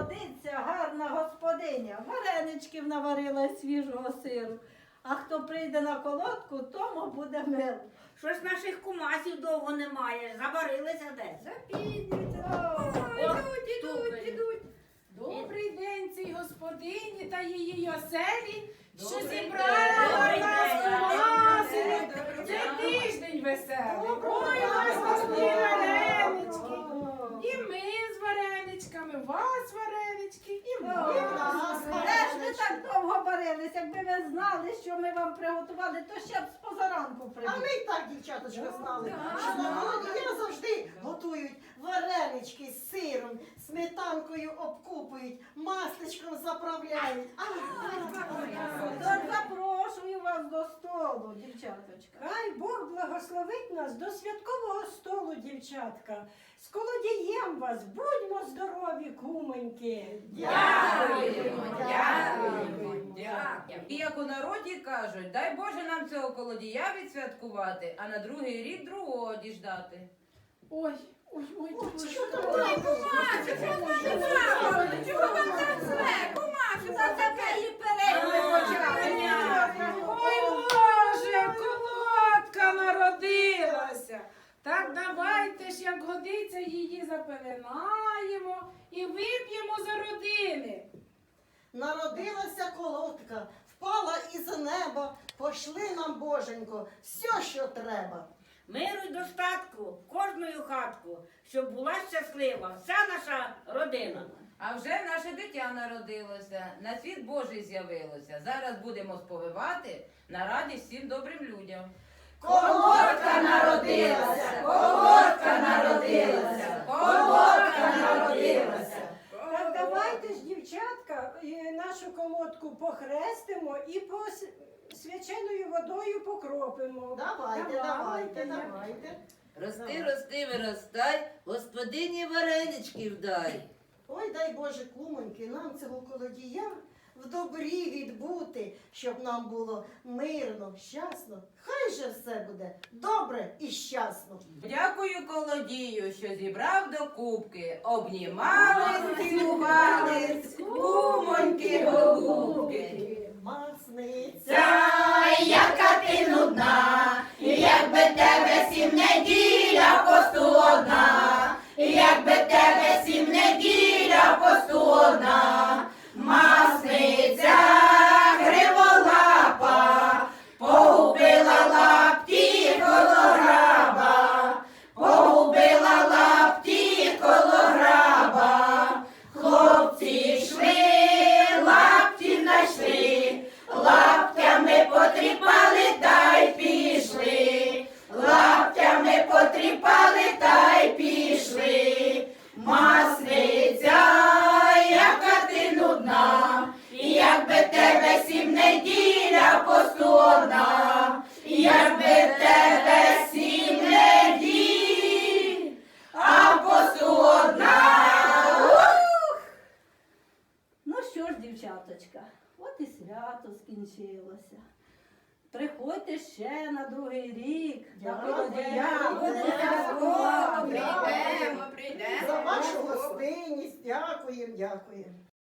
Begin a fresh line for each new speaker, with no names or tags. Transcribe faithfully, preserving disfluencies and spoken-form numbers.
годиться гарна господиня. Вареничків наварила із свіжого сиру. А хто прийде на колодку, тому буде мило.
Щось наших кумасів довго немає. Забарилися десь.
Запізнюються.
О,
Ідуть, ідуть,
стукають.
ідуть. Добрий день цій господині та її оселі, що
Добрий
зібрали
день.
нас
Добрий
кумасини.
день.
Це тиждень веселий.
Доброго
Ой,
дня.
у вас пошли варенички.
О.
І ми з вареничками, вас варенички, і ми.
О, Де ж ви так довго барились? Якби ви знали, що ми вам приготували, то ще б з позаранку
А
прийшли.
ми і так, дівчаточка, знали,
Так.
що на Володія завжди готують варенички з сиром, сметанкою обкупують, масличком заправляють. А,
Тож запрошую вас до столу, дівчаточка.
Хай Бог благословить нас до святкового столу, дівчатка. З колодієм вас, будьмо здорові, кумоньки.
Дякуємо, дякуємо, дякуємо.
І як у народі кажуть, дай Боже нам цього колодія відсвяткувати, а на другий рік другого діждати.
Ой, ой, ой, ой,
що там
ой,
Чого вам так зле? Кумасю, за таке і перейми почали.
Ой, Боже, колодка народилася. Так давайте ж, як годиться, її запеленаємо і вип'ємо за родини.
народилася колодка, впала із неба, пошли нам, Боженько, все, що треба.
Миру й достатку в кожною хатку, щоб була щаслива вся наша родина.
А вже наше дитя народилося, на світ Божий з'явилося. Зараз будемо сповивати на радість всім добрим людям.
Колодка народилася, колодка народилася, колодка народилася.
Так давайте ж, дівчатка, і нашу колодку похрестимо і по с- свяченою водою покропимо.
Давайте, давайте, давайте.
Рости, рости, виростай, господині вареничків дай.
Ой, дай Боже, кумоньки, нам цього колодія в добрі відбути, щоб нам було мирно, щасно. Хай же все буде добре і щасно.
Дякую колодію, що зібрав до кубки. Обнімались, цілувались, кумоньки голубки.
Масниця.
Ця, яка ти нудна, якби тебе сім неділя посту одна, якби тебе сім неділя посту одна, масниця гриволапа, погубила лапті колограба, погубила лапті колограба, хлопці йшли, лапті знайшли, лаптями потріпали та й пішли, лаптями потріпали та й пішли. Масниця, яка ти нудна, якби тебе сім неділя посту одна, якби тебе сім неділь, а посту одна.
Ну що ж, дівчаточка, от і свято скінчилося. Приходьте ще на другий рік. на
Дякую.
колодія. Будете
Дякую.
святкувати.
Прийдемо, прийдемо.
За вашу гостинність дякуємо, дякуємо.